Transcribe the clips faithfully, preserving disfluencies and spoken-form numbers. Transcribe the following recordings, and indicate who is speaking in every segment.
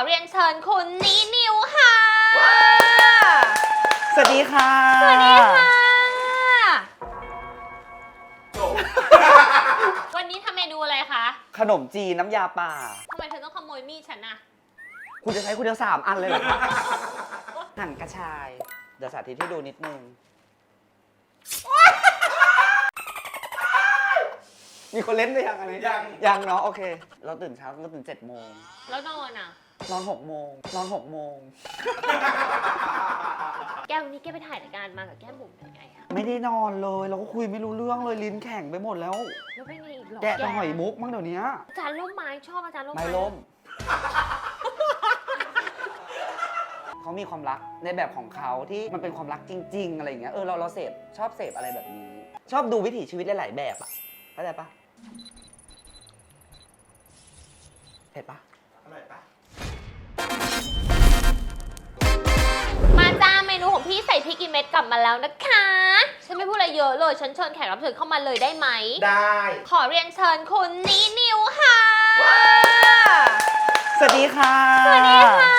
Speaker 1: เรียนเชิญคุณนินิวค่ะ
Speaker 2: สวัสดีค่ะ
Speaker 1: สวัสดีค่ะวันนี้ทำเมนูอะไรคะ
Speaker 2: ขนมจีนน้ำยาป่า
Speaker 1: ทำไมเธอต้องขโมยมีดฉันน่ะ
Speaker 2: คุณจะใช้คุณเดียวสามอันเลยเหรอคะหั่นกระชายเดี๋ยวสาธิตให้ดูนิดนึงมีคนเล่นไปยังอะไรยังยังเนาะโอเคเราตื่นเช้าเราตื่นเจ็ดโมง
Speaker 1: แล้วนอนอ่ะ
Speaker 2: นอนหกโมงนอนหกโมง
Speaker 1: แก้ววันนี้แกไปถ่ายรายการมากับแก้มบุ๋มยังไงคะ
Speaker 2: ไม่ได้นอนเลยเราก็คุยไม่รู้เรื่องเลยลิ้นแข็งไปหมดแล้ว
Speaker 1: แล้วเป็นไงอีกหรอ
Speaker 2: แกะแต่หอยมุกมั้งเดี๋ยวนี้
Speaker 1: อาจารย์ล่มไม้ชอบอาจารย์ล่มไม้
Speaker 2: ไม่ล่มเขามีความรักในแบบของเขาที่มันเป็นความรักจริงๆอะไรอย่างเงี้ยเออเราเราเสพชอบเสพอะไรแบบนี้ชอบดูวิถีชีวิตหลายๆแบบอ่ะเข้าใจปะเผ็ดปะอร่อยปะ
Speaker 1: มาจ้าเมนูของพี่ใส่พริกกี่เม็ดกลับมาแล้วนะคะฉันไม่พูดอะไรเยอะเลยฉันเชิญแขกรับเชิญเข้ามาเลยได้ไหม
Speaker 2: ได้
Speaker 1: ขอเรียนเชิญคุณนินิวค่ะ
Speaker 2: สวัสดีค่ะ
Speaker 1: สวัสดีค่ะ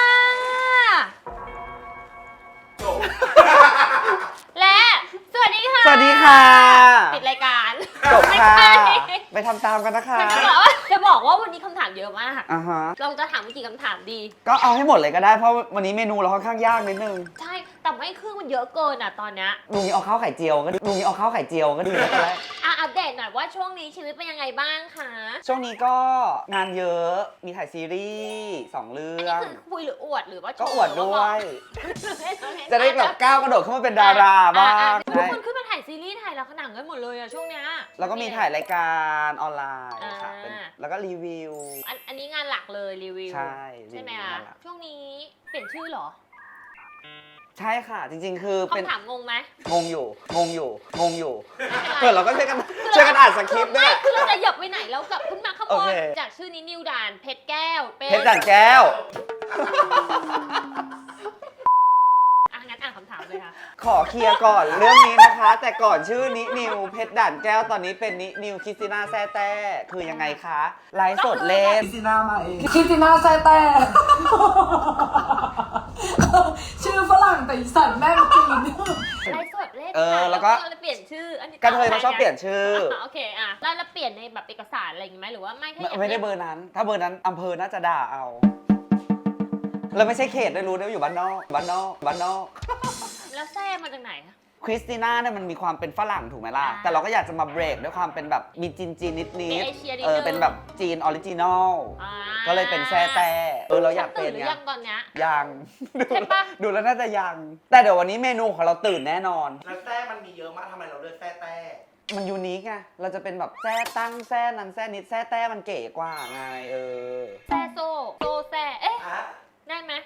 Speaker 1: และสวัสดีค่ะ
Speaker 2: สวัสดีค่ะ
Speaker 1: ปิดรายการ
Speaker 2: จบค่ะไปทำตามกันนะคะ
Speaker 1: จะบอกว่าจะบอกว่าวันนี้คำถามเยอะมาก
Speaker 2: อ่าฮะ
Speaker 1: เราจะถามกี่คำถามดี
Speaker 2: ก็เอาให้หมดเลยก็ได้เพราะวันนี้เมนูเราค่อนข้างยากนิดนึง
Speaker 1: ใช่แต่ไม่คือมันเยอะเกินอ่ะตอนเนี้ย
Speaker 2: ลุงนี้เอาข้าวไข่เจียวก็ลุงนี้เอาข้าวไข่เจียวก็ดีแล้ว
Speaker 1: อ่ะอัปเดตหน่อยว่าช่วงนี้ชีวิตเป็นยังไงบ้างคะ
Speaker 2: ช่วงนี้ก็งานเยอะมีถ่ายซีรีส์สองเรื่อง
Speaker 1: อันนี้คือคุยหรืออวดหรือว่า
Speaker 2: ก็อวดด้วยจะได้แบบก้าวกระโดดเข้ามาเป็นดาราบ้าง
Speaker 1: ทุกคนขึ้นมาถ่ายซีรีส์ถ่ายละครหนังกันหมดเลยอะช่วงเนี้ย
Speaker 2: แล้วก็มีถ่ายรายการออนไลน์ค่ะแล้วก็รีวิว
Speaker 1: อันอันนี้งานหลักเลยรีวิว
Speaker 2: ใช่
Speaker 1: ใช่ไหมคะช่วงนี้เปลี่ยนชื่อเหรอ
Speaker 2: ใช่ค่ะจริงๆคือเป็น
Speaker 1: คำถามงงไหม
Speaker 2: งงอยู่งงอยู่งงอยู่เผื่อเราก็ช่วยกันช่วยกันอ่านสคริปต์ด้วย
Speaker 1: คือเราจะหยับไปไหนแล้วกลับขึ้นมาข้างบนจากชื่อนี้นิวดานเพชรแก้ว
Speaker 2: เพชรด่านแก้ว
Speaker 1: งั้นอ่านคำถามเลยค่ะ
Speaker 2: ขอเคลียร์ก่อนเรื่องนี้นะคะแต่ก่อนชื่อนินิวเพชรด่านแก้วตอนนี้เป็นนินิวคริสติน่าแซ่แต้คือยังไงคะไลฟ์สดเล่นคริสติน่ามาเอง
Speaker 3: คริสติน่าแซ่แต้ชื่อฝรั่งแต่อีสันแม่งจีน
Speaker 1: ไลฟ์สดเล่น
Speaker 2: เออแล้วก็
Speaker 1: เปลี่ยนชื่ออันนี้
Speaker 2: กระเทยมาชอบเปลี่ยนชื่อ
Speaker 1: โอเคอ่ะแล้วเราเปลี่ยนในแบบเอกสารอะไรอย่างงี้ไหมหรือว่าไม่
Speaker 2: ไม่ได้เบอร์นั้นถ้าเบอร์นั้นอำเภอน่าจะด่าเอาแล้วไม่ใช่เขตได้รู้ได้อยู่บ้านนอกบ้านนอกบ้านนอก
Speaker 1: แล้วแซ่มาจากไหนคะ
Speaker 2: คริสติน่าเนี่ยมันมีความเป็นฝรั่งถูกไหมล่ะแต่เราก็อยากจะมาเบรกด้วยความเป็นแบบมีจีนจีนนิดนิดเออเป็นแบบจีนออริจินอลก็เลยเป็นแซ่แต่เออเราอยากเป็นไง
Speaker 1: ยังตอนเนี้ย
Speaker 2: ยัง
Speaker 1: ใช่ปะ
Speaker 2: ดูแล้วน่าจะยังแต่เดี๋ยววันนี้เมนูของเราตื่นแน่นอน
Speaker 4: แล้วแซ่มันมีเยอะมากทำไมเราเลือกแซ่แต่
Speaker 2: มันยูนิคไงเราจะเป็นแบบแซ่ตั้งแซ่นั้นแซ่นิดแซ่แต่มันเก๋กว่าไงเออ
Speaker 1: แซ่โซโซแซ่เอ๊ะได้ไหม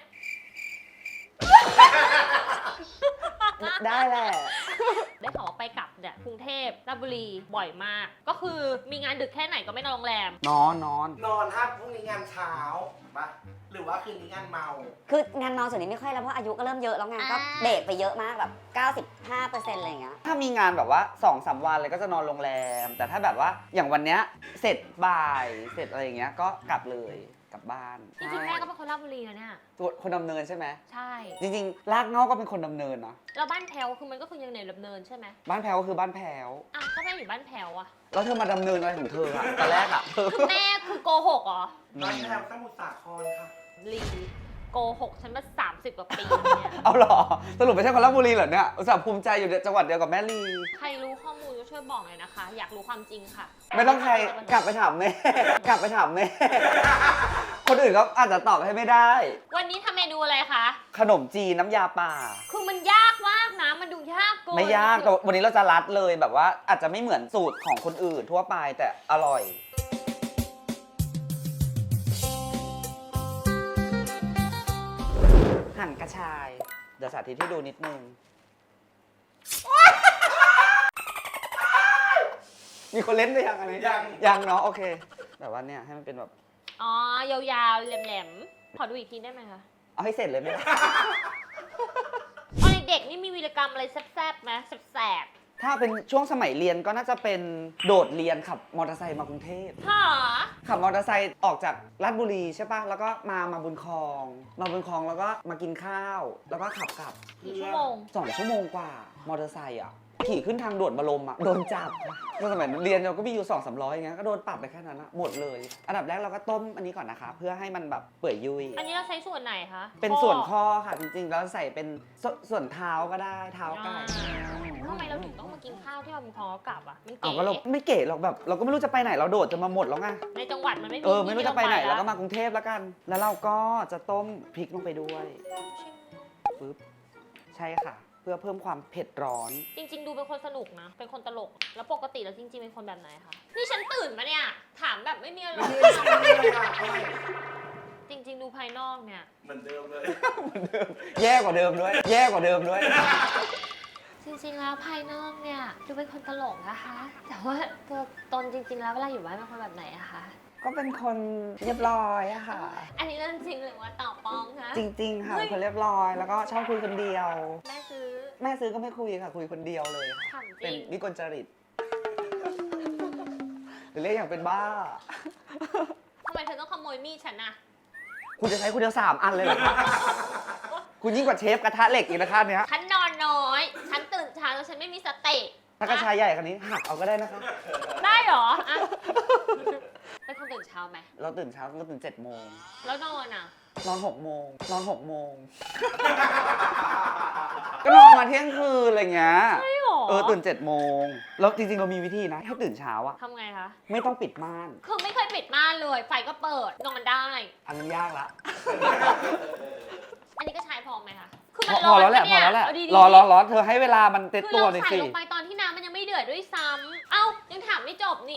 Speaker 2: ได้แหละ
Speaker 1: ได้ข่าวว่าไปกลับเนี่ยกรุงเทพราชบุรีบ่อยมากก็คือมีงานดึกแค่ไหนก็ไม่นอนโรงแรม
Speaker 2: นอนนอน
Speaker 4: นอนถ้าพรุ่งนี้งานเช้าปะหรือว่าคืนนี้งานเมา
Speaker 5: คืองานเมาส่วนนี้ไม่ค่อยแล้วเพราะอายุก็เริ่มเยอะแล้วงานก็เบรกไปเยอะมากแบบ เก้าสิบห้าเปอร์เซ็นต์ อะไรอย่างเงี้ย
Speaker 2: ถ้ามีงานแบบว่า สองสาม วันเลยก็จะนอนโรงแรมแต่ถ้าแบบว่าอย่างวันเนี้ยเสร็จบ่ายเสร็จอะไรอย่างเงี้ยก็กลับเลยกลับบ้าน
Speaker 1: จริงๆแม่ก็เป็นคนราชบุรีนะเนี่ย
Speaker 2: คนดำเนินใช่ไหม
Speaker 1: ใช่
Speaker 2: จริงๆรากเหง้าก็เป็นคนดำเนินนะ
Speaker 1: แล้วบ้านแพ้วคือมันก็คือยังในดำเนินใช่ไหม
Speaker 2: บ้านแพ้วก็คือบ้านแพ้ว
Speaker 1: อ่ะก็แม่อยู่บ้านแพ้วอะ
Speaker 2: แล้วเธอมาดำเนินอะไรของเธออะตอนแรกอะ
Speaker 1: คือแม่คือโกหกเหรอ
Speaker 4: บ้านแพ้วสมุทรสาครค่ะ
Speaker 1: ลีโกหกฉันมาสามสิบกว่าปีเนี่ย
Speaker 2: เอาหรอสรุปไม่ใช่คนราชบุรีเหรอเนี่ยอุตส่าห์ภูมิใจอยู่จังหวัดเดียวกับแม่ลี
Speaker 1: ใครรู้ข้อมูลก็ช่วยบอกหน่อยนะคะอยากรู้ความจริงค่ะ
Speaker 2: ไม่ต้องใครกลับไปถามแม่กลับไปถามแม่คนอื่นก็อาจจะตอบให้ไม่ได้
Speaker 1: วันนี้ทำเมนูอะไรคะ
Speaker 2: ขนมจีนน้ำยาป่า
Speaker 1: คือมันยากมากนะมันดูยากเกิน
Speaker 2: ไม่ยากแต่วันนี้เราจะรัดเลยแบบว่าอาจจะไม่เหมือนสูตรของคนอื่นทั่วไปแต่อร่อยหั่นกระชายเดี๋ยวสาธิตให้ดูนิดนึงมีคนเล่นไปยังอะไรยังยังเนาะโอเคแต่ว่าเนี่ยให้มันเป็นแบบ
Speaker 1: อ๋อยาวๆแหลมๆขอดูอีกทีได้ไหมคะ
Speaker 2: เอาให้เสร็จเลยไหม
Speaker 1: ตอนเด็กนี่มีวีรกรรมอะไรแซ่บๆไหมแซ่บ
Speaker 2: ทถ้าเป็นช่วงสมัยเรียนก็น่าจะเป็นโดดเรียนขับมอเตอร์ไซค์มากรุงเทพ
Speaker 1: หา
Speaker 2: ขับมอเตอร์ไซค์ออกจากลาดบุรีใช่ปะแล้วก็มามาบุญคลอง มาบุญคลองแล้วก็มากินข้าว แล้วก็ขับกลับ
Speaker 1: กี่ชั่วโมง
Speaker 2: สองชั่วโมงกว่ามอเตอร์ไซค์อ่ะขี่ขึ้นทางด่วนบรมอ่ะโดนจับก็สมัยเรียนเราก็มีอยู่สองสามร้อยอย่างเงี้ยก็โดนปรับไปแค่นั้นอะหมดเลย อันดับแรกเราก็ต้มอันนี้ก่อนนะคะ เพื่อให้มันแบบเปื่อยยุ่ย
Speaker 1: อันนี้เราใช้ส่วนไหนคะ
Speaker 2: เป็นส่วนข้อค่ะจริงๆแล้วใส่เป็นสส่วนเท้าก็ได้เท้าไก่
Speaker 1: ทำไมเราถึงต้องมากินข้าวที่เราพอกลับอ่ะมัน
Speaker 2: เอา
Speaker 1: เก๋
Speaker 2: ก็เราไม่เก๋หรอกแบบ เราก็ไม่รู้จะไปไหนเราโดดจนมาหมดแล้วไง
Speaker 1: ในจังหวัดมันไม่มี
Speaker 2: เออไม่รู้จะไปไหน
Speaker 1: ที่
Speaker 2: แล้วก็
Speaker 1: เร
Speaker 2: มากรุงเทพแล้วกัน แล้วเราก็จะต้มพริกลงไปด้วยปึ๊บใช่ค่ะ เพื่อเพิ่มความเผ็ดร้อน
Speaker 1: จริง ๆ ดูเป็นคนสนุกนะ เป็นคนตลก แล้วปกติแล้วจริง ๆ เป็นคนแบบไหนคะ นี่ฉันตื่นมาเนี่ย ถามแบบไม่มีอะไร
Speaker 4: ไม่ได้ชิมเลยอ่ะทำไม
Speaker 1: จริง ๆ ดูภายนอกเนี่ย
Speaker 4: เหมือนเดิมเลย
Speaker 2: แย่กว่าเดิมด้วย แย่กว่าเดิมด้วย
Speaker 1: จริง ๆ แล้วภายนอกเนี่ยดูเป็นคนตลกนะคะ แต่ว่าตัวตนจริง ๆ แล้วเวลาอยู่บ้านเป็นคนแบบไหนอะคะ
Speaker 2: ก็เป็นคนเรียบร้อยอะค่ะ
Speaker 1: อันนี้เรื่องจริงหรือว่าต่อปลอมคะ
Speaker 2: จริงๆค่ะ
Speaker 1: เฮ้ย
Speaker 2: เป็นคนเรียบร้อย แล้วก็ชอบคุยคนเดียว
Speaker 1: แม่ซื้อ
Speaker 2: แม่ซื้อก็ไม่คุยค่ะ คุยคนเดียวเลยค่ะ
Speaker 1: ถามจ
Speaker 2: เป็น
Speaker 1: ริง
Speaker 2: วิกลจริต หรือเรียกอย่างเป็นบ้า
Speaker 1: ทำไมเธอต้องขโมยมีดฉันอะ
Speaker 2: คุณจะใช้คุณเดียวสามอันเลยเหรอคะคุณยิ่งกว่าเชฟกระทะเหล็กอีกนะคะเนี้ย
Speaker 1: ฉันนอนน้อย ฉันตื่นเช้าแล้วฉันไม่มีสติ
Speaker 2: ถ้ากระชายใหญ่คันนี้หักเอาก็ได้นะคะ
Speaker 1: ได้เหรออะเป็นคนตื่นเช้าไหม
Speaker 2: เราตื่นเช้าเราตื่นเจ็ดโมง
Speaker 1: แล้วนอนอะ
Speaker 2: นอนหกโมง นอนหกโมง ก็นอนมาเที่ยงคืนอะไรเงี้ย
Speaker 1: ใช่หรอ
Speaker 2: เออตื่นเจ็ดโมง แล้วจริงๆเรามีวิธีนะให้ตื่นเช้าอะ
Speaker 1: ทำไงคะ
Speaker 2: ไม่ต้องปิดม่าน
Speaker 1: คือไม่เคยปิดม่านเลย ไฟก็เปิด นอนได้
Speaker 2: อันนั้นยากละ
Speaker 1: อันนี้ก็ใช้พอไหมคะ คือ
Speaker 2: พ
Speaker 1: มั
Speaker 2: อน พ
Speaker 1: ร้
Speaker 2: อ
Speaker 1: อน
Speaker 2: แล้วแหละ
Speaker 1: ป
Speaker 2: พอแล้วแหละ
Speaker 1: เาดีๆ
Speaker 2: รอรอรอเธอให้เวลามันเต็ม
Speaker 1: คือ
Speaker 2: ตัว
Speaker 1: เรา
Speaker 2: หน่อย
Speaker 1: ใส่
Speaker 2: สิ
Speaker 1: ลงไปตอนที่น้ำมันยังไม่เดือดด้วยซ้ำเอ้า ยังถามไม่จบนี่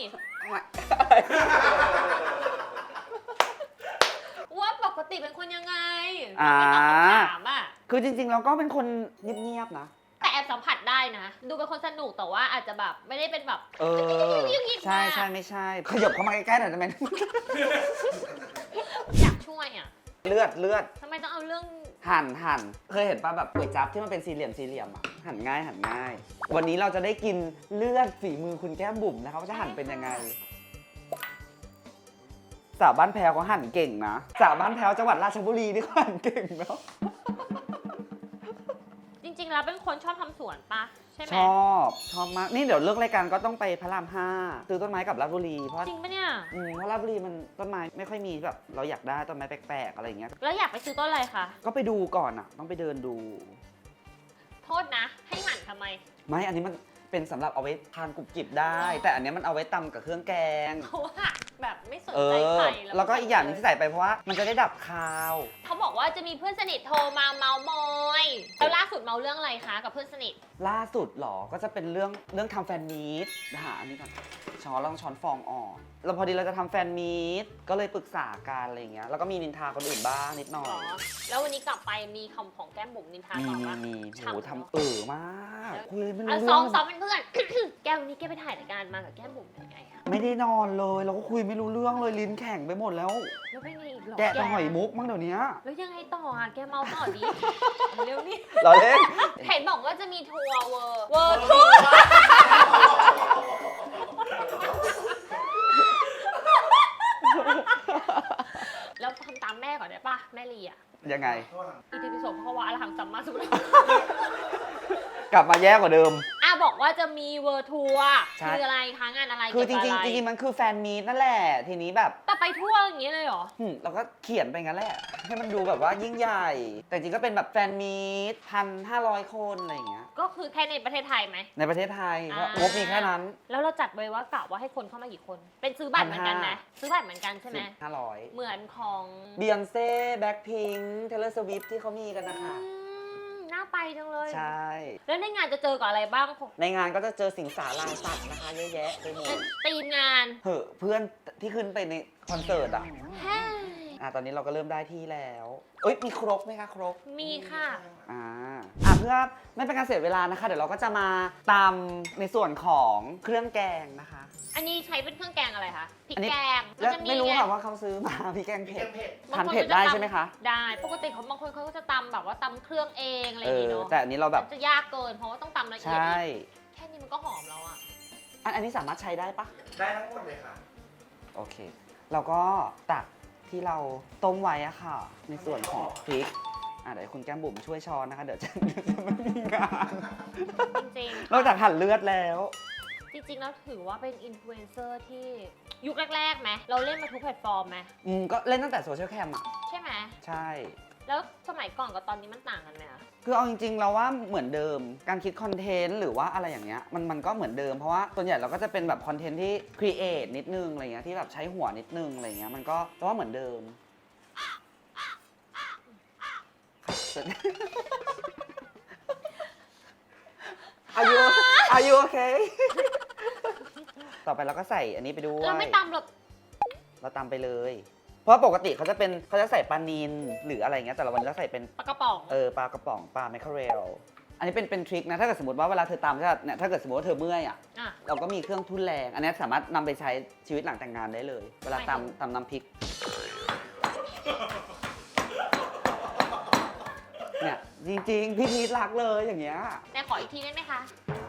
Speaker 1: ว่าปกติเป็นคนยังไง
Speaker 2: อ่า
Speaker 1: ไม่ตอบคำถามอะ
Speaker 2: คือจริงๆเราก็เป็นคนเงียบๆนะ
Speaker 1: แต่แอบสัมผัสได้นะ ดูเป็นคนสนุกแต่ว่าอาจจะแบบไม่ได้เป็นแบบ
Speaker 2: เออ ใช่ใช่ไม่ใช่ ขยับเข้ามาใกล้ๆหน่อยได้ไหม
Speaker 1: อยากช่วยอะ
Speaker 2: เลือดเลือด
Speaker 1: ทำไมต้องเอาเรื่อง
Speaker 2: หั่นหั่นเคยเห็นป่ะแบบก๋วยจั๊บที่มันเป็นสี่เหลี่ยมสี่เหลี่ยมอ่ะหั่นง่ายหั่นง่าย วันนี้เราจะได้กินเลือดฝีมือคุณแก้มบุ๋มนะครับว่าจะหั่นเป็นยังไงสาวบ้านแพรวเขาหั่นเก่งนะสาวบ้านแพรวจังหวัดราชบุรีนี่เขาหั่นเก่งเนาะ
Speaker 1: จริงๆแล้วเป็นคนชอบทำสวนปะใช่ไหม
Speaker 2: ชอบชอบมากนี่เดี๋ยวเลิกรายการก็ต้องไปพระรามห้าซื้อต้นไม้กับราชบุรีเพราะ
Speaker 1: จริงปะเนี่ย
Speaker 2: อืมเพราะราชบุรีมันต้นไม้ไม่ค่อยมีแบบเราอยากได้ต้นไม้แปลกๆอะไรอย่างเงี้ย
Speaker 1: แล้วอยากไปซื้อต้นอะไรคะ
Speaker 2: ก็ไปดูก่อนอ่ะ ต้องไปเดินดู
Speaker 1: โทษนะ ให้หั่นทำไม
Speaker 2: ไม่อันนี้มันเป็นสำหรับเอาไว้ทานกรุบกริบได้ แต่อันเนี้ยมันเอาไว้ตำกับเครื่องแกง
Speaker 1: เพราะว่าแบบไม่สน
Speaker 2: เอ
Speaker 1: ใจ
Speaker 2: อ
Speaker 1: ใคร
Speaker 2: แล้วก็อีกอย่างหนึงที่ใส่ไปเพราะว่ามันจะได้ดับคาว
Speaker 1: เขาบอกว่าจะมีเพื่อนสนิทโทรมาเมาส์มอยแล้วล่าสุดเมาเรื่องอะไรคะกับเพื่อนสนิท
Speaker 2: ล่าสุดหรอ ก็จะเป็นเรื่องเรื่องทำแฟนมีตนะฮะอันนี้ก่อนช้อนลองช้อนฟองออกแล้วพอดีเราจะทำแฟนมีตก็เลยปรึกษากันอะไรอย่างเงี้ย แล้วก็มีนินทาคนอื่นบ้างนิดหน่อ
Speaker 1: หร
Speaker 2: ย
Speaker 1: อ แล้ววันนี้กลับไปมีคำของแก้มบุ๋มนินทา
Speaker 2: มี
Speaker 1: ต่อ
Speaker 2: มี
Speaker 1: ปะ
Speaker 2: มี
Speaker 1: ฉ่ำ
Speaker 2: โห
Speaker 1: เนอะ
Speaker 2: ทำเออมากคุยไม่รู้
Speaker 1: อ่ะ
Speaker 2: เรื่
Speaker 1: ซ้อ
Speaker 2: อ
Speaker 1: ม
Speaker 2: ง
Speaker 1: ซ้อมเป็นเพื่อน แก้ววันนี้แกไปถ่ายรายการมากับแก้มบุ๋มยังไงอะ
Speaker 2: ไม่ได้นอนเลยเราก็คุยไม่รู้เรื่องเลยลิ้นแข็งไปหมดแล้ว
Speaker 1: แล้วเป็นไงอีกหรอ
Speaker 2: แกะแต่หอยมุกมั้งเดี๋ยวนี้
Speaker 1: แล้วยังไงต่ออ่ะแกเมาต่อดิ เร็วนี่
Speaker 2: เราเล่น
Speaker 1: เห็นบอกว่าจะมีทัวร์เวอร์เวอร์ทัวร์ แล้วทำตามแม่ก่อนได้ปะแม่ลีอ่ะ
Speaker 2: ยังไง
Speaker 1: อิติปิโสเพราะว่าอรหังสัมมาสัมพุทธ
Speaker 2: กลับมาแย่กว่าเดิม
Speaker 1: อ่ะบอกว่าจะมีเวอร์ทัวร์
Speaker 2: ใช่
Speaker 1: คืออะไรคะงานอะไร
Speaker 2: คือจ
Speaker 1: เกี่ยว
Speaker 2: ริง
Speaker 1: กับ
Speaker 2: ๆ
Speaker 1: อะ
Speaker 2: จ
Speaker 1: ไ
Speaker 2: ริงๆมันคือแฟนมีตนั่นแหละ ทีนี้แบบ
Speaker 1: แต่ไปทั่วอย่างนี้เลยเหรอ
Speaker 2: หึเราก็เขียนไปงั้นแหละ ให้มันดูแบบว่ายิ่งใหญ่ แต่จริงก็เป็นแบบแฟนมีตพันห้าร้อยคนอะไรอย่างเงี้ย
Speaker 1: ก็คือแค่ในประเทศไทยไหม
Speaker 2: ในประเทศไทยเพราะ
Speaker 1: อ่าง
Speaker 2: งบมีแค่นั้น
Speaker 1: แล้วเราจัดไว้ว่ากะว่าให้คนเข้ามากี่คน เป็นซื้อบัตรเหมือนกันไหม
Speaker 2: พันห้า
Speaker 1: ซื้อบัตรเหมือนกันใช่ไหม
Speaker 2: ห้าร้อย
Speaker 1: เหมือนของ
Speaker 2: บียอนเซ่แบ็คพิงค์เทเลอร์สวิฟที่เขามีกันนะคะ
Speaker 1: อืมน่าไปจังเลย
Speaker 2: ใช่
Speaker 1: แล้วในงานจะเจอกับอะไรบ้าง
Speaker 2: ในงานก็จะเจอสิงสาราสัตว์นะคะเยอะแยะไปหมด
Speaker 1: ตีมงาน
Speaker 2: เหอะเพื่อนที่ขึ้นไปในคอนเสิร์ตอ่ะ
Speaker 1: แฮ่
Speaker 2: อ่ะตอนนี้เราก็เริ่มได้ที่แล้ว เอ้ยมีครกไหมคะครก
Speaker 1: มีค่ะ
Speaker 2: อ่าอ่ะเพื่อไม่เป็นการเสียเวลานะคะ เดี๋ยวเราก็จะมาตำในส่วนของเครื่องแกงนะคะ
Speaker 1: อันนี้ใช้เป็นเครื่องแกงอะไรคะพริก
Speaker 2: อันนี้
Speaker 1: แกง
Speaker 2: แล้ว
Speaker 1: จะ
Speaker 2: ไม่รู้
Speaker 1: ง
Speaker 2: ค่ะว่าเขาซื้อมา พี่แกง
Speaker 4: พี่
Speaker 2: เผ็
Speaker 4: แก
Speaker 2: ด
Speaker 4: งเผ็ด
Speaker 2: ทานเผ็ดได้ใช่ไหมคะ
Speaker 1: ได้ ปกติเขาบางคนเขาก็จะตำแบบว่าตำเครื่องเองอะไรอ
Speaker 2: เอย่าง
Speaker 1: งี้
Speaker 2: อ
Speaker 1: เนาะ
Speaker 2: แต่อันนี้เราแบบ
Speaker 1: มันจะยากเกินเพราะว่าต้องตำละเอียด
Speaker 2: ใช่
Speaker 1: ค่นี้มันก็หอมแล้วอะ
Speaker 2: อันอันนี้สามารถใช้ได้ปะ
Speaker 4: ได้ทั้งหมดเลยค่ะ
Speaker 2: โอเค เราก็ตักที่เราต้มไว้อะค่ะ ในส่วนของพริกอ่ะเดี๋ยวคุณแก้มบุ๋มช่วยช้อนนะคะ เดี๋ยวจะเดี๋ยวจะไม่มีงาน
Speaker 1: จริง
Speaker 2: นอกจากหั่นเลือดแล้ว
Speaker 1: ๆ จริงๆแล้วถือว่าเป็นอินฟลูเอนเซอร์ที่ยุคแรกๆไหมเราเล่นมาทุกแพลตฟอร์มไหม
Speaker 2: อืมก็เล่นตั้งแต่โซเชียลแคมอะ
Speaker 1: ใช่ไหม
Speaker 2: ใช่
Speaker 1: แล้วสมัยก่อนกับตอนนี้มันต่างกันไหมอะ
Speaker 2: คือเอาจริงๆเราว่าเหมือนเดิม การคิดคอนเทนต์หรือว่าอะไรอย่างเงี้ยมันมันก็เหมือนเดิมเพราะว่าส่วนใหญ่เราก็จะเป็นแบบคอนเทนต์ที่ครีเอทนิดนึงอะไรเงี้ยที่แบบใช้หัวนิดนึงอะไรเงี้ยมันก็เราว่าเหมือนเดิม อายุอายุโอเค ต่อไปเราก็ใส่อันนี้ไปด้วย
Speaker 1: เราไม่ตำหรอก
Speaker 2: เราตำไปเลย เพราะปกติเขาจะเป็นเขาจะใส่ปลานิลหรืออะไรเงี้ยแต่ละวันนี้เราใส่เป็น
Speaker 1: ปลากระป๋อง
Speaker 2: เออปลากระป๋องปลาแมคเคอเรลอันนี้เป็นเป็นทริคนะถ้าเกิดสมมติว่าเวลาเธอตำใช่ไหมเนี่ยถ้าเกิดสมมติว่าเธอเมื่อยอ่ะ
Speaker 1: อ่ะ
Speaker 2: เราก็มีเครื่องทุ่นแรง อันนี้สามารถนำไปใช้ชีวิตหลังแต่งงานได้เลย เวลา
Speaker 1: หมายถึง
Speaker 2: ตำตำน้ำพริกเนี่ยจริงๆ พี่พีทรักเลยอย่างเงี้ย
Speaker 1: แต่ขออีกทีได้ไหมคะ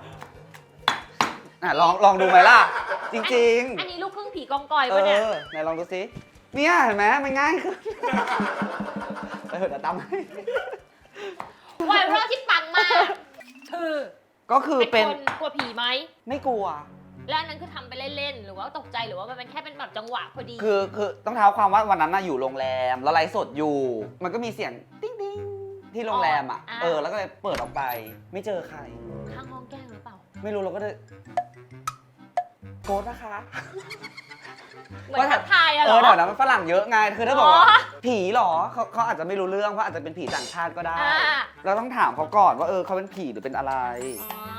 Speaker 2: อ่ะลองลองดูไหมล่ะ จริง
Speaker 1: อันนี้ลูกครึ่งผีกองกอย
Speaker 2: ๆ เอ
Speaker 1: ปะเนี่ย
Speaker 2: อไหนลองดูสิเนี่ยเห็นไหมมันง่ายขึ้นเออเดี๋ยวตำให้
Speaker 1: ไวรัลที่ปังมากคือ
Speaker 2: ก็คือเป็น
Speaker 1: คนกลัวผีไหม
Speaker 2: ไม่กลัว
Speaker 1: แล้วอันนั้นคือทำไปเล่นๆ หรือว่าตกใจหรือว่ามันเป็นแค่เป็นแบบจังหวะพอดี
Speaker 2: คือคือต้องเท้าความว่าวันนั้นน่ะอยู่โรงแรมแล้วไลฟ์สดอยู่ มันก็มีเสียงติ๊งติ๊งที่โรงแรมอ่ะ
Speaker 1: อ๋ออ่า
Speaker 2: เออแล้วก็เลยเปิดออกไป ไม่เจอใคร
Speaker 1: ข้างห้องแกล้งหรือเปล่า
Speaker 2: ไม่รู้เราก็เลยโกรธนะคะ
Speaker 1: เหมือนทักทายอะเห
Speaker 2: เอ
Speaker 1: รอ
Speaker 2: อเดี๋ยวนะมันฝรั่งเยอะไงคือถ้าบอกว่า
Speaker 1: อ๋อ
Speaker 2: ผีเหรอเขาเขาอาจจะไม่รู้เรื่องเพราะอาจจะเป็นผีต่างชาติก็ได้
Speaker 1: อ่า
Speaker 2: เราต้องถามเขาก่อนว่าเออเขาเป็นผีหรือเป็นอะไร
Speaker 1: อ๋อ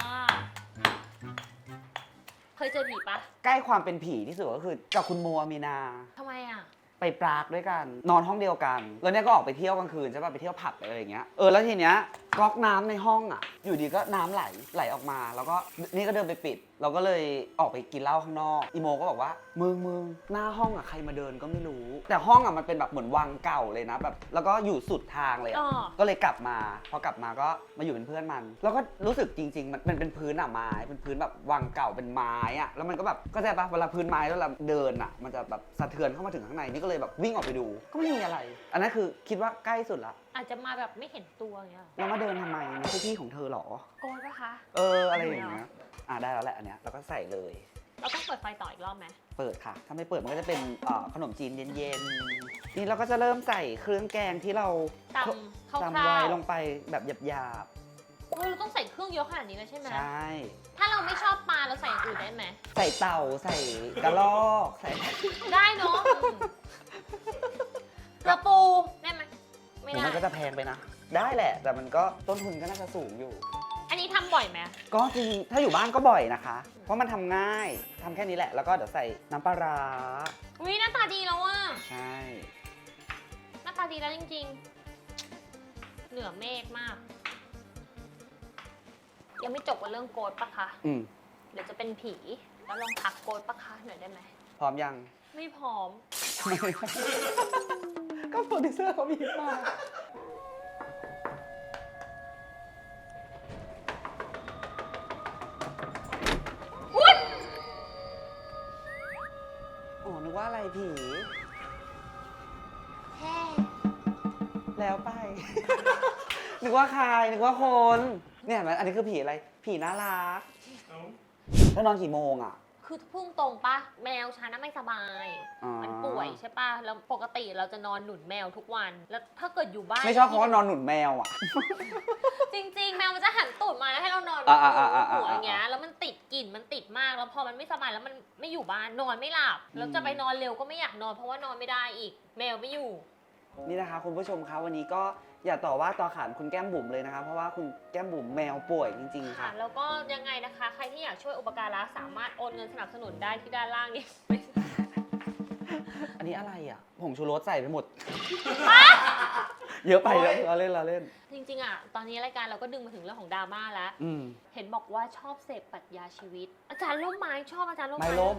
Speaker 1: เคยเจอผีปะ
Speaker 2: ใกล้ความเป็นผีที่สุดก็คือกับคุณมัวมีนา
Speaker 1: ทำไมอ่ะ
Speaker 2: ไปปรากด้วยกัน นอนห้องเดียวกัน แล้วเนี่ยก็ออกไปเที่ยวกลางคืนใช่ป่ะไปเที่ยวผับอะไรอย่างเงี้ยเออแล้วทีเนี้ยก๊อกน้ำในห้องอ่ะ อยู่ดีก็น้ำไหลไหลออกมา แล้วก็นี่ก็เดินไปปิด เราก็เลยออกไปกินเหล้าข้างนอกอีโมก็บอกว่ามึงมึงหน้าห้องอ่ะใครมาเดินก็ไม่รู้ แต่ห้องอ่ะมันเป็นแบบเหมือนวังเก่าเลยนะแบบแล้วก็อยู่สุดทางเลยอะ
Speaker 1: อ๋อ
Speaker 2: ก็เลยกลับมาพอกลับมาก็มาอยู่เป็นเพื่อนมัน แล้วก็รู้สึกจริง ๆ มันมันเป็นพื้นอ่ะไม้เป็นพื้นแบบวังเก่าเป็นไม้อ่ะแล้วมันก็แบบก็ใช่ปะเวลาพื้นไม้แล้วเราเดินอ่ะมันจะแบบสะเทือนเข้ามาถึงข้างในนี่ก็เลยแบบวิ่งออกไปดู ก็ไม่มีอะไร อันนั้นคือคิดว่าใกล้สุดละ
Speaker 1: อาจจะมาแบบไม่เห็นตัวอย่างเงี้ย
Speaker 2: แล้วมาเดินทำไมไม่ใช่ที่ของเธอหรอ
Speaker 1: โกนปะคะ
Speaker 2: เอออะไรอย่างเงี้ยอ่ะได้แล้วแหละอันเนี้ยเราก็ใส่เลย
Speaker 1: เราต้องเปิดไฟต่ออีกรอบไหม
Speaker 2: เปิดค่ะ ถ้าไม่เปิดมันก็จะเป็นเอ่อขนมจีนเย็นๆนี่เราก็จะเริ่มใส่เครื่องแกงที่เรา
Speaker 1: ตำคร่
Speaker 2: ตำ
Speaker 1: า
Speaker 2: ไว้
Speaker 1: ว
Speaker 2: ลงไปแบบหยาบ
Speaker 1: ๆเฮ้ยเราต้องใส่เครื่องเยอะขนาดนี้เลยใช่ไหม
Speaker 2: ๆใช่
Speaker 1: ถ้าเราไม่ชอบปลาเราใส่อย่างอื่นได้ไหม
Speaker 2: ใส่เต่าใส่กระรอกใส่
Speaker 1: ได้เนาะอืมกระปูได้ไหมไม่
Speaker 2: เดี๋ยว
Speaker 1: ได้
Speaker 2: มันก็จะแพงไปนะ ได้แหละ แต่มันก็ต้นทุนก็น่าจะสูงอยู่
Speaker 1: อันนี้ทำบ่อยไหม
Speaker 2: ก็จริงถ้าอยู่บ้านก็บ่อยนะคะ เพราะมันทำง่ายทำแค่นี้แหละ แล้วก็เดี๋ยวใส่น้ำปลาร้า
Speaker 1: อุ้ยหน้าตาดีแล้วอ่ะ
Speaker 2: ใช่
Speaker 1: หน้าตาดีแล้วจริงๆ เหนือเมฆมาก ยังไม่จบกับเรื่องโกดปะคะ
Speaker 2: อืม
Speaker 1: เดี๋ยวจะเป็นผี แล้วลองทักโกดปะคะหน่อยได้ไหม
Speaker 2: พร้อมยัง
Speaker 1: ไม่พร้อม
Speaker 2: ก็โปรดิวเซอร์เขามีมา อ๋อ นึกว่าอะไรผี
Speaker 1: แฮ่
Speaker 2: แล้วไป นึกว่าใคร นึกว่าคน เนี่ยเห็นไหมอันนี้คือผีอะไร ผีน่ารัก แล้วนอนกี่โมงอ่ะ
Speaker 1: คือพุ่งตรงปะแมวฉันน่ะไม่สบาย
Speaker 2: อ๋อ
Speaker 1: มันป่วยใช่ปะแล้วปกติเราจะนอนหนุนแมวทุกวัน แล้วถ้าเกิดอยู่บ้าน
Speaker 2: ไม่ชอบเพราะว่านอนหนุนแมวอ่ะ
Speaker 1: จริงๆ แมวมันจะหันตูดมาแล้วให้เรานอน
Speaker 2: อ่าอ่าอ่าอ่า
Speaker 1: หัวอย่างเงี้ย แล้วมันติดกลิ่น มันติดมาก แล้วพอมันไม่สบายแล้วมันไม่อยู่บ้าน นอนไม่หลับ แล้วจะไปนอนเร็วก็ไม่อยากนอนเพราะว่านอนไม่ได้อีก แมวไม่อยู่
Speaker 2: นี่นะคะคุณผู้ชมคะวันนี้ก็อย่าต่อว่าต่อขานคุณแก้มบุ๋มเลยนะคะเพราะว่าคุณแก้มบุ๋มแมวป่วยจริงๆ
Speaker 1: ค่ะ
Speaker 2: ค่ะ
Speaker 1: แล้วก็ยังไงนะคะ ใครที่อยากช่วยอุปการะสามารถโอนเงินสนับสนุนได้ที่ด้านล่างนี้
Speaker 2: อันนี้อะไรอ่ะผงชูรสใส่ไปหมด เยอะไปแล้วเราเล่นเราเล่น
Speaker 1: จริงๆอ่ะ ตอนนี้รายการเราก็ดึงมาถึงเรื่องของดราม่าแล้ว
Speaker 2: อืม
Speaker 1: เห็นบอกว่าชอบเสพปรัชญาชีวิต อาจารย์ร่มไม้ชอบอาจารย์ร่ม
Speaker 2: ไม่
Speaker 1: ไม้
Speaker 2: ล้ม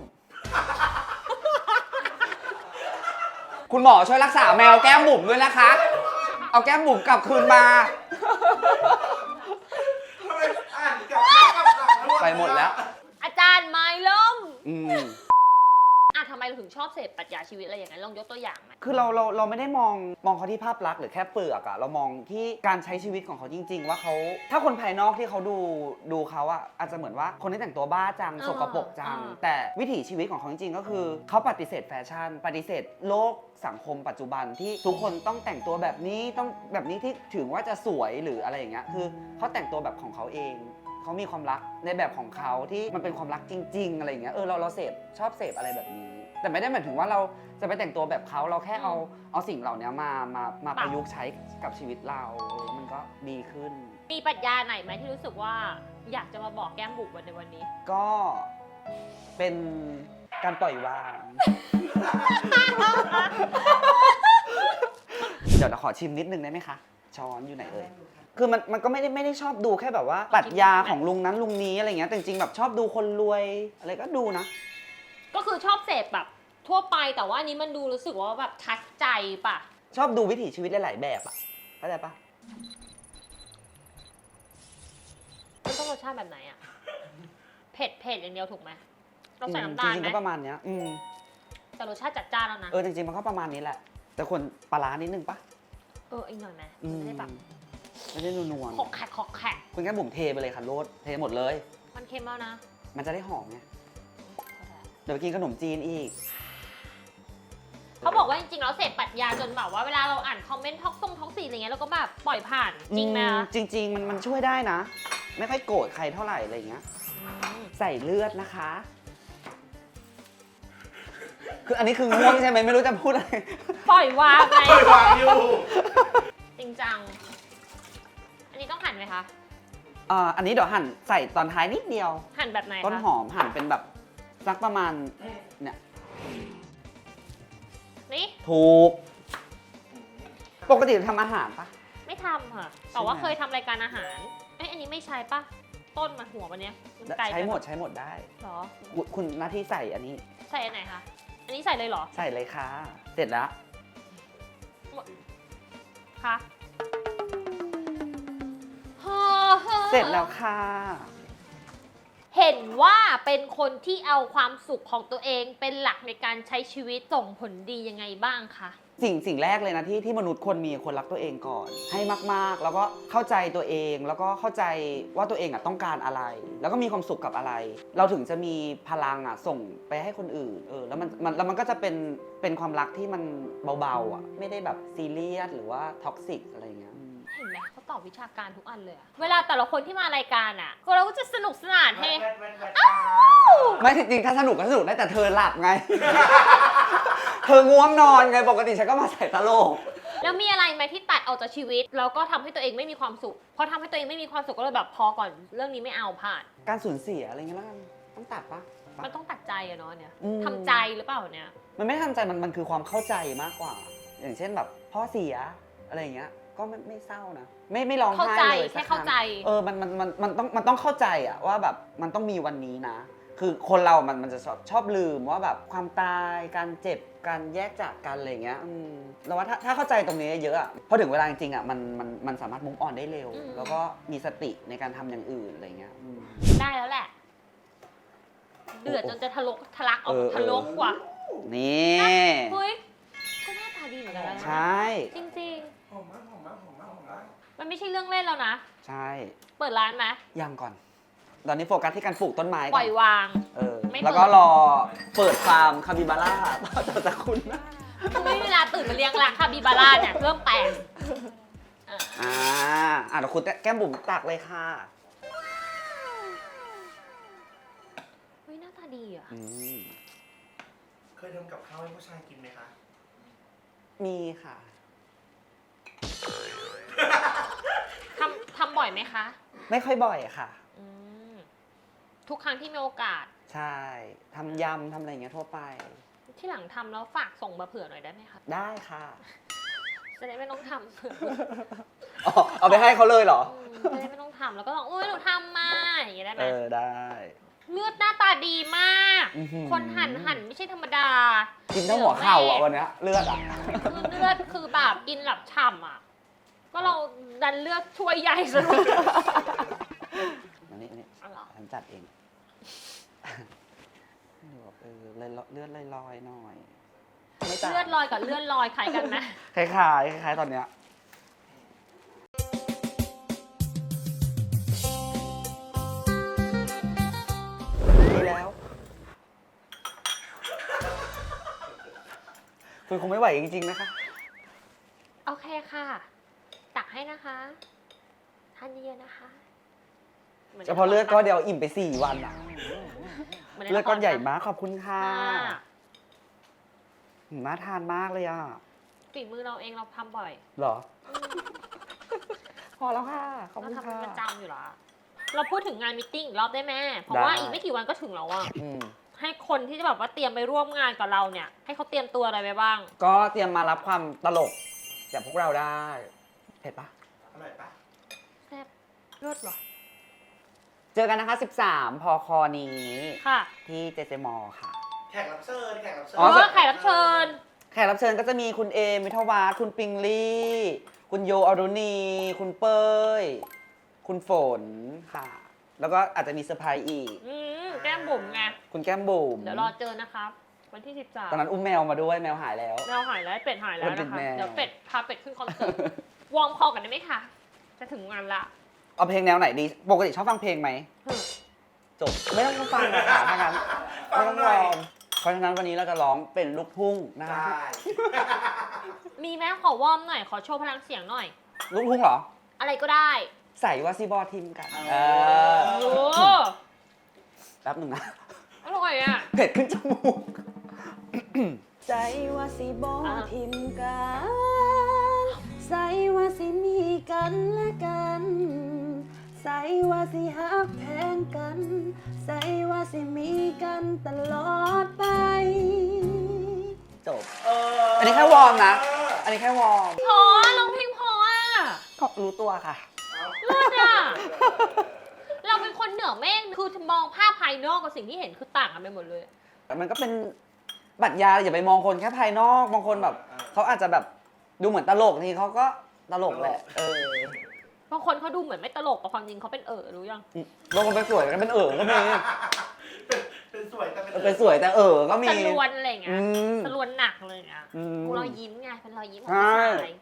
Speaker 2: คุณหมอช่วยรักษาแมวแก้มบุ๋มด้วยนะคะ เอาแก้มบุ๋มกลับคืนมา
Speaker 4: ทำไมอ่านกับข้าวกับหนังด้วย
Speaker 2: ไปหมดแล้ว
Speaker 1: อาจารย์ไม้ล่ม
Speaker 2: อืม
Speaker 1: อ่ะทำไมเราถึงชอบเสพปรัชญาชีวิตอะไรอย่างนั้นลองยกตัวอย่างไหม
Speaker 2: คือเราเราเราไม่ได้มองมองเขาที่ภาพลักษณ์หรือแค่เปลือกอะเรามองที่การใช้ชีวิตของเขาจริง ๆ ว่าเขาถ้าคนภายนอกที่เขาดูดูเขาอะอาจจะเหมือนว่าคนที่แต่งตัวบ้าจัง
Speaker 1: อ่า
Speaker 2: สกปรกจัง
Speaker 1: อ่า
Speaker 2: แต่วิถีชีวิตของเขาจริงๆก็คือเขาปฏิเสธแฟชั่น ปฏิเสธโลกสังคมปัจจุบันที่ทุกคนต้องแต่งตัวแบบนี้ต้องแบบนี้ที่ถึงว่าจะสวยหรืออะไรอย่างเงี้ยคือเขาแต่งตัวแบบของเขาเองเขามีความรักในแบบของเขาที่มันเป็นความรักจริง ๆอะไรอย่างเงี้ยเออเราเราเสพชอบเสพอะไรแบบนี้ แต่ไม่ได้หมายถึงว่าเราจะไปแต่งตัวแบบเขาเราแค่เอาเอาสิ่งเหล่านี้มามามาประยุกต์ใช้กับชีวิตเราเออมันก็ดีขึ้น
Speaker 1: มีปรัชญาไหนไหมที่รู้สึกว่าอยากจะมาบอกแก้มบุ๋มวันในวันนี้
Speaker 2: ก็เป็นการปล่อยวาง เดี๋ยวเราขอชิมนิดนึงได้ไหมคะ ช้อนอยู่ไหนเอ่ย คือมันมันก็ไม่ได้ไม่ได้ชอบดูแค่แบบว่าปรัชญาของลุงนั้นลุงนี้อะไรเงี้ยแต่จริงๆแบบชอบดูคนรวยอะไรก็ดูนะ
Speaker 1: ก็คือชอบเสพแบบทั่วไปแต่ว่าอันนี้มันดูรู้สึกว่าแบบทัดใจป่ะ
Speaker 2: ชอบดูวิถีชีวิตหลายๆแบบอ่ะเข้าใจปะ
Speaker 1: มันต้องรสชาติแบบไหนอะเผ็ดเผ็ดอย่างเดียวถูกไหมต้องใส่
Speaker 2: อืม
Speaker 1: น้ำตาล
Speaker 2: จริง
Speaker 1: ไห
Speaker 2: ๆ
Speaker 1: ม
Speaker 2: ก็ประมาณเนี้ยอืม
Speaker 1: แต่รสชาติจัดจ้านแล้วนะ
Speaker 2: เออจริงๆมันก็ประมาณนี้แหละ แต่ควรปลาร้านิดนึงปะ
Speaker 1: เอออีกหน่อยไหม
Speaker 2: อื
Speaker 1: มัน
Speaker 2: ม
Speaker 1: จะได้แบบ
Speaker 2: ไม่ได้นัว
Speaker 1: ขอกแขกขอกแขก
Speaker 2: ๆคุณแค่บุ๋มเทไปเลยค่ะโรดเทหมดเลย
Speaker 1: มันเค็มแล้วนะ
Speaker 2: มันจะได้หอมไงเดี๋ยวไปกินขนมจีนอีก
Speaker 1: เขาบอกว่าจริงๆแล้วเสพปรัชญาจนแบบว่าเวลาเราอ่านคอมเมนต์ท็อกซงท็อกซีอะไรเงี้ยเราก็แบบปล่อยผ่านจริงไหม
Speaker 2: อื
Speaker 1: คะ
Speaker 2: จริง ๆ มันมันช่วยได้นะ ไม่ค่อยโกรธใครเท่าไหร่อะไรอย่างเงี้ย ใส่เลือดนะคะ คืออันนี้คือง่วงใช่ไหมไม่รู้จะพูดอะไร
Speaker 1: ปล่อยวางไง
Speaker 4: ปล่อยวางอยู่
Speaker 1: จริงจัง อันนี้ต้องหั่นไหมคะ
Speaker 2: อ่าอันนี้เดี๋ยวหั่นใส่ตอนท้ายนิดเดียว
Speaker 1: หั่นแบบไหนคะ
Speaker 2: ต้นหอมหั่นเป็นแบบสักประมาณเนี่ย
Speaker 1: นี่
Speaker 2: ถูก ปกติทำอาหารปะ
Speaker 1: ไม่ทำค่ะ แต่ว่าเคยทำรายการอาหาร เอ้ยอันนี้ไม่ใช่ปะต้นมันหัวมันเนี้ยมันไกลไป
Speaker 2: ใช้หมดใช้หมดได้
Speaker 1: เหรอ
Speaker 2: คุณคุณหน้าที่ใส่อันนี้
Speaker 1: ใส่อันไหนคะ อันนี้ใส่เลยเหรอ
Speaker 2: ใส่เลยค่ะ เสร็จแล้ว
Speaker 1: คะฮ่าฮ่า
Speaker 2: เสร็จแล้วค่ะ
Speaker 1: เห็นว่าเป็นคนที่เอาความสุขของตัวเองเป็นหลักในการใช้ชีวิตส่งผลดียังไงบ้างคะ
Speaker 2: สิ่งสิ่งแรกเลยนะที่ที่มนุษย์คนมีคนรักตัวเองก่อน ให้มากๆ แล้วก็เข้าใจตัวเองแล้วก็เข้าใจว่าตัวเองอ่ะต้องการอะไร แล้วก็มีความสุขกับอะไร เราถึงจะมีพลังอ่ะส่งไปให้คนอื่นเออแล้วมันมันแล้วมันก็จะเป็นเป็นความรักที่มันเบาๆอ่ะไม่ได้แบบซีเรียสหรือว่าท็อกซิกอะไรอย่างเงี้ย
Speaker 1: เห็นไหมเขาตอบวิชาการทุกอันเลยอะเวลาแต่ละคนที่มารายการอ่ะ ก็เราก็จะสนุกสนานให้
Speaker 4: แวดแวดแวด
Speaker 2: ไม่จริงๆถ้าสนุกก็สนุกได้แต่เธอหลับไง เธอง่วงนอนไงปกติฉันก็มาใส่ตลก
Speaker 1: แล้วมีอะไรไหมที่ตัดออกจากชีวิตแล้วก็ทำให้ตัวเองไม่มีความสุขพอทำให้ตัวเองไม่มีความสุขก็เลยแบบพอก่อนเรื่องนี้ไม่เอาผ่าน
Speaker 2: การสูญเสียอะไรเงี้ยแล้วกันต้องตัดปะ
Speaker 1: มันต้องตัดใจอะเนาะเนี่ย
Speaker 2: อืม
Speaker 1: ทำใจหรือเปล่าเนี่ย
Speaker 2: มันไม่ได้ทำใจมันมันคือความเข้าใจมากกว่า อย่างเช่นแบบพ่อเสียอะไรอย่างเงี้ยก็ไม่ไม่เศร้านะไม่ไม่ร้องไห้
Speaker 1: เข้าใจ
Speaker 2: เลยสั
Speaker 1: แค่
Speaker 2: กค
Speaker 1: เข้า
Speaker 2: รั้ง
Speaker 1: ใจ
Speaker 2: เออมันมันมันมันต้องมันต้องเข้าใจอะว่าแบบมันต้องมีวันนี้นะ คือคนเรามันมันจะชอบชอบลืมว่าแบบความตายการเจ็บการแยกจากกันอะไรอย่างเงี้ยอืมแล้วว่าถ้าถ้าเข้าใจตรงนี้เยอะอะพอถึงเวลาจริงๆอะมันมันมันสามารถมุ่งออนได้เร็ว
Speaker 1: อืม
Speaker 2: แล้วก็มีสติในการทำอย่างอื่นอะไรเงี้ยอืม
Speaker 1: ได้แล้วแหละ เดือด
Speaker 2: โอ้
Speaker 1: จนจะทะลกทะลักออก
Speaker 2: เออ
Speaker 1: ทะลกกว่า
Speaker 2: นี่
Speaker 1: เฮ้ยก็หน้าตาดีเหมือนกันนะ
Speaker 2: ใช่
Speaker 1: จริง
Speaker 4: หอมมากหอมมากหอมมากหอมมาก
Speaker 1: ๆ มันไม่ใช่เรื่องเล่นแล้วนะ
Speaker 2: ใช่
Speaker 1: เปิดร้านไหม
Speaker 2: ยังก่อน ตอนนี้โฟกัสที่การปลูกต้นไม้
Speaker 1: ป
Speaker 2: ก่
Speaker 1: ล่
Speaker 2: อ
Speaker 1: อน ยวาง
Speaker 2: เออ
Speaker 1: ไม่เปิด
Speaker 2: แล้วก็รอเปิดฟาร์มคาบิบาร่าต่อจากคุณนะ
Speaker 1: ไม่มีเวลาตื่นมาเลี้ยงละคาบิบาร่าเนี่ยเริ่มแปลง
Speaker 2: อ่าอ่ะเดี๋ยวคุณแก้มบุ๋มตักเลยค่ะ
Speaker 1: เฮ้ยหน้าตาดีอ่ะ
Speaker 2: อืม
Speaker 4: เคยทำกับข้าวให้ผู้ชายกินไหมคะ
Speaker 2: มีค่ะ
Speaker 1: ทำทำบ่อยไหมคะ
Speaker 2: ไม่ค่อยบ่อยค่ะ
Speaker 1: อืมทุกครั้งที่มีโอกาส
Speaker 2: ใช่ทำยำทำอะไรอย่างเงี้ยทั่วไป
Speaker 1: ที่หลังทำแล้วฝากส่งมาเผื่อหน่อยได้ไหมคะ
Speaker 2: ได้ค่ะ
Speaker 1: จะได้ไม่ต้องทำเผื่อ
Speaker 2: อ๋อเอาไปให้เขาเลยเหรอ
Speaker 1: อืมจะได้ไม่ต้องทำแล้วก็บอกอุ้ยหนูทำมาอย่างเงี้ยได้ไหม
Speaker 2: เออได้
Speaker 1: เลือดหน้าตาดีมาก
Speaker 2: อื้อหือ
Speaker 1: คนหั่นหั่นไม่ใช่ธรรมดา
Speaker 2: กินทั้งหัวเข่าอ่ะวันเนี้ยเลือดอ่ะ
Speaker 1: คือเลือดคือแบบกินแบบฉ่ำอ่ะ ก็เราดันเลือกช่วยใหญ่ซะด้วย
Speaker 2: อันนี้อันนี้
Speaker 1: อ๋อเหรอ
Speaker 2: ฉันจัดเองเออเลยเลือดลอยๆหน่อยไม่ต่าง
Speaker 1: เลือดลอยกับเลือดลอยคล้ายกันไหม
Speaker 2: คล้ายๆคล้ายๆตอนเนี้ยดีแล้วคุณคงไม่ไหวจริงๆนะคะ
Speaker 1: โอเคค่ะ ตักให้นะคะทานเยอะๆนะคะหมืน
Speaker 2: เฉพาะเลือดก้อนเดียวอิ่มไปสี่วันอะ
Speaker 1: หมืใ
Speaker 2: เลือดก้อนใหญ่
Speaker 1: ละคร
Speaker 2: มากขอบคุณค่ะ
Speaker 1: ค่ะ
Speaker 2: หืมน่าทานมากเลยอ่ะ
Speaker 1: ฝีมือเราเองเราทำบ่อย
Speaker 2: เหรอ พอแล้วค่ะ ขอบ
Speaker 1: เรา
Speaker 2: คุณ
Speaker 1: ทำ
Speaker 2: ค่ะ
Speaker 1: เป็นประจำอยู่แล้วเราพูดถึงงานมตติ팅อีกรอบได้ไหมเพราะ
Speaker 2: ได้
Speaker 1: ว่าอีกไม่กี่วันก็ถึงแล้วอะ
Speaker 2: อืม
Speaker 1: ให้คนที่จะแบบว่าเตรียมไปร่วมงานกับเราเนี่ย ให้เขาเตรียมตัวอะไรไปบ้าง
Speaker 2: ก็เตรียมมารับความตลกจากพวกเราได้เผ็ดปะ
Speaker 4: อร่อยปะ
Speaker 1: แซ่บเลิศเหรอ
Speaker 2: เจอกันนะคะ สิบสาม พคนี้
Speaker 1: ค่ะ
Speaker 2: ที่เจเจมอค่ะ
Speaker 4: แขกรับเชิญแขกรับเชิญ
Speaker 2: อ๋
Speaker 1: อ๋
Speaker 2: อ
Speaker 1: อแขกรับเชิญ
Speaker 2: แขกรับเชิญก็จะมีคุณเอมิทวาสคุณปิงลี่ คุณโยอรุณี คุณเป้ย คุณฝนค่ะ แล้วก็อาจจะมีเซอร์ไพรส์อีก
Speaker 1: อืมแก้มบุ๋มไง
Speaker 2: คุณแก้มบุ๋ม
Speaker 1: เดี๋ยวรอเจอนะครับ วันที่สิบสาม
Speaker 2: ตอนนั้นอุ้มแมวมาด้วยแมวหายแล้ว
Speaker 1: แมวหายแล้วเป็ดหายแล้ว
Speaker 2: มันเป็
Speaker 1: นะ
Speaker 2: น
Speaker 1: คะ
Speaker 2: แมว
Speaker 1: เดี๋ยวเป็ดพาเป็ดขึ้นคอนเสิร์ต วอร์มคอกันได้ไหมคะ จะถึงงานละ
Speaker 2: เอาเพลงแนวไหนดี ปกติชอบฟังเพลงไหม
Speaker 1: ฮึ
Speaker 2: จบ ไม่ต้องฟังนะคะถ้างั้นไม่ต้องลองเพราะฉะนั้นวันนี้เราจะร้องเป็นลูกทุ่งนะคะ
Speaker 4: ใช่
Speaker 1: มีไหมขอวอร์มหน่อย ขอโชว์พลังเสียงหน่อย
Speaker 2: ลูกทุ่งเหรอ
Speaker 1: อะไรก็ได้
Speaker 2: ใส่ว่าซีบอทิมกัน เออ
Speaker 1: โอ้
Speaker 2: แป๊บหนึ่งนะ
Speaker 1: อร่อยอ่ะ
Speaker 2: เผ็ดขึ้นจมูก
Speaker 5: ใจว่าสิบอ
Speaker 1: อ่า
Speaker 5: ทิมกันใส่ว่าสิมีกันและกัน ใส่ว่าสิฮักแพงกัน ใส่ว่าสิมีกันตลอดไป
Speaker 2: จบ
Speaker 4: เออ
Speaker 2: อันนี้แค่วอร์มนะ อันนี้แค่วอร์ม
Speaker 1: พอร้องเพลงพออ่ะ
Speaker 2: ก็รู้ตัวค่ะ
Speaker 1: เลิศอ่ะ เราเป็นคนเหนือเมฆคือมองภาพภายนอกกับสิ่งที่เห็นคือต่างกันไปหมดเลย
Speaker 2: แต่มันก็เป็นปรัชญาอย่าไปมองคนแค่ภายนอก บางคนแบบเขาอาจจะแบบดูเหมือนตลกทีเขาก็ตลกแหละ เออบ
Speaker 1: างคนเขาดูเหมือนไม่ตลกแต่ความจริงเขาเป็นเออรู้ยัง
Speaker 2: บางคนเป็นสวยแต่เป็นเออก็มี
Speaker 4: เป็นเป็นสวยแต่เป็น
Speaker 2: เป็นสวยแต่เออก็มี
Speaker 1: สลวนอะไรอย่างเงี้
Speaker 2: อื
Speaker 1: ย
Speaker 2: ม
Speaker 1: สลวนหนักเลยอ่ะ
Speaker 2: อืม
Speaker 1: กูรอยยิ้มไงเป็นรอยยิ้มของ
Speaker 2: ใช่
Speaker 1: ผู้ชาย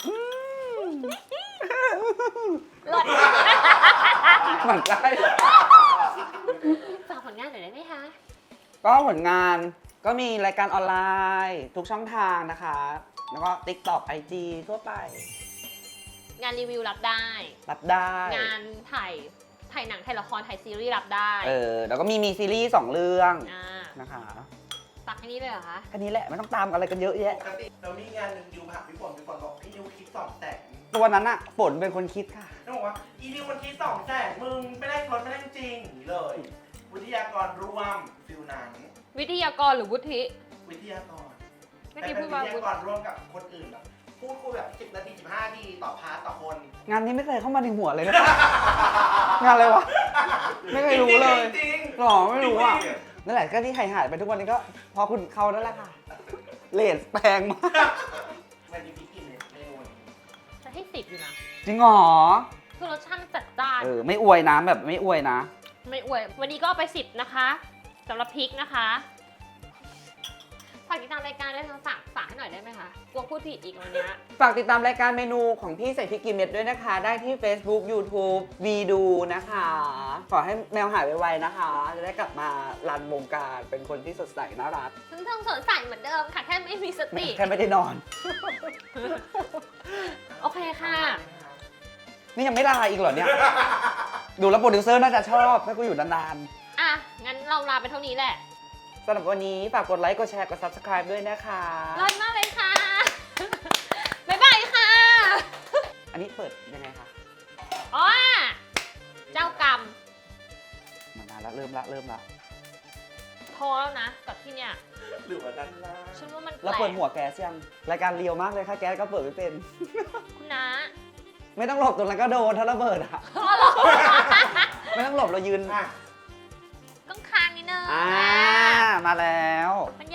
Speaker 1: เลิศ
Speaker 2: เหมือนใช่
Speaker 1: ฝากผลงานหน่อยได้ไหมคะ
Speaker 2: ก็ผลงานก็มีรายการออนไลน์ ทุกช่องทางนะคะ แล้วก็ TikTok ไอ จี ทั่วไป
Speaker 1: งานรีวิวรับได้
Speaker 2: รับได้
Speaker 1: งานถ่ายถ่ายหนังถ่ายละครถ่ายซีรีส์รับได้
Speaker 2: เออแล้วก็มีมีซีรีส์สองเรื่อง
Speaker 1: อ่า
Speaker 2: นะคะ
Speaker 1: ฝากแค่นี้เลยเหรอคะ
Speaker 2: แค่นี้แหละไม่ต้องตามอะไรกันเยอะแยะ
Speaker 4: ปกติเรามีงานหนึ่งยูผ่าพี่ฝนพี่ฝนบอกพี่นิวคิดสองแสน
Speaker 2: ตัวนั้นอะฝนเป็นคนคิดค่ะ
Speaker 4: ต้องบอกว่าอีนิวมันคิดสองแสนมึงไม่ได้รถไม่ได้จริงอย่างนี้เลย วิทยากรร่วมฟิลนั้น
Speaker 1: วิทยากรหรือวุฒิ
Speaker 4: วิทยากร
Speaker 1: เมื่อ
Speaker 4: แต่
Speaker 1: กี้
Speaker 4: เป็
Speaker 1: พู
Speaker 4: น
Speaker 1: ด
Speaker 4: วิ
Speaker 1: ว่า วุฒิ
Speaker 4: ทยากรร่วมกับคนอื่นแบบพูดคุยแบบสิบนาทีสิบห้านาทีต่อพาร์ทต่อคน
Speaker 2: งานนี้ไม่เคยเข้ามาในหัวเลยนะ งานอะไรวะ ไม่เคยรู้เลย
Speaker 4: จริง
Speaker 2: หรอไม่รู้อ่ะนั่นแหละก็ที่หายหายๆไปทุกวันนี้ก็เพอคุณเขานั่นแหละค่ะเลนแพงมาก
Speaker 4: ๆมันมีพริกกินเนี่ยเมนูนี้
Speaker 1: จะให้สิบอยู่นะ
Speaker 2: จริงเหรอ
Speaker 1: คือรสชาติมันจัดจ้าน
Speaker 2: เออไม่อวยนะแบบไม่อวยนะ
Speaker 1: ไม่อวย วันนี้ก็เอาไปสิบนะคะสำหรับพริกนะคะฝากติดตามรายการด้วยนะฝากฝากให้หน่อยได้ไหมคะกลัวพูดผิดอีกวันเนี้ย
Speaker 2: ฝากติดตามรายการเมนูของพี่ใส่พริกกินเม็ดด้วยนะคะ ได้ที่ Facebook YouTube วีดูนะคะ ขอให้แมวหายไวๆนะคะ จะได้กลับมารันวงการเป็นคนที่สดใสน่ารัก
Speaker 1: ซึ่งเทิงสดใสเหมือนเดิมค่ะ แค่ไม่มีสติ
Speaker 2: แค่ไม่ได้นอน
Speaker 1: โอเคค่ะ
Speaker 2: นี่ยังไม่ลาอีกเหรอเนี่ย ดูแล้วโปรดิวเซอร์น่าจะชอบให้กูอยู่นาน
Speaker 1: อ่ะ งั้นเราลาไปเท่านี้แหละ
Speaker 2: ๆสำหรับวันนี้ฝากกดไลค์ กดแชร์ กด Subscribe ด้วยนะคะ
Speaker 1: รอดมากเลยค่ะ บ๊ายบายค่ะ
Speaker 2: อันนี้เปิดยังไงคะ
Speaker 1: อ๋อ เจ้ากรรม
Speaker 2: มานานแล้วเริ่มละเริ่มละ
Speaker 1: พอแล้วนะ กับที่เนี่ย
Speaker 4: หรือว่าด้านล่าง
Speaker 1: ฉันว่ามันแป
Speaker 2: แล้ว
Speaker 1: ล
Speaker 2: เปิด
Speaker 1: ก
Speaker 2: หัวแก๊สยัง รายการเรียวมากเลยค่ะแก๊สก็เปิดไม่เป็น
Speaker 1: คุณน้า
Speaker 2: ไม่ต้องหลบตรงนั้นก็โดนถ้าระเบิดอะ
Speaker 1: อ๋อเหรอ
Speaker 2: ไม่ต้องหลบเรายืน
Speaker 4: อ่ะ
Speaker 1: ต้องค้างนิดนึง
Speaker 2: อ่า มาแล้ว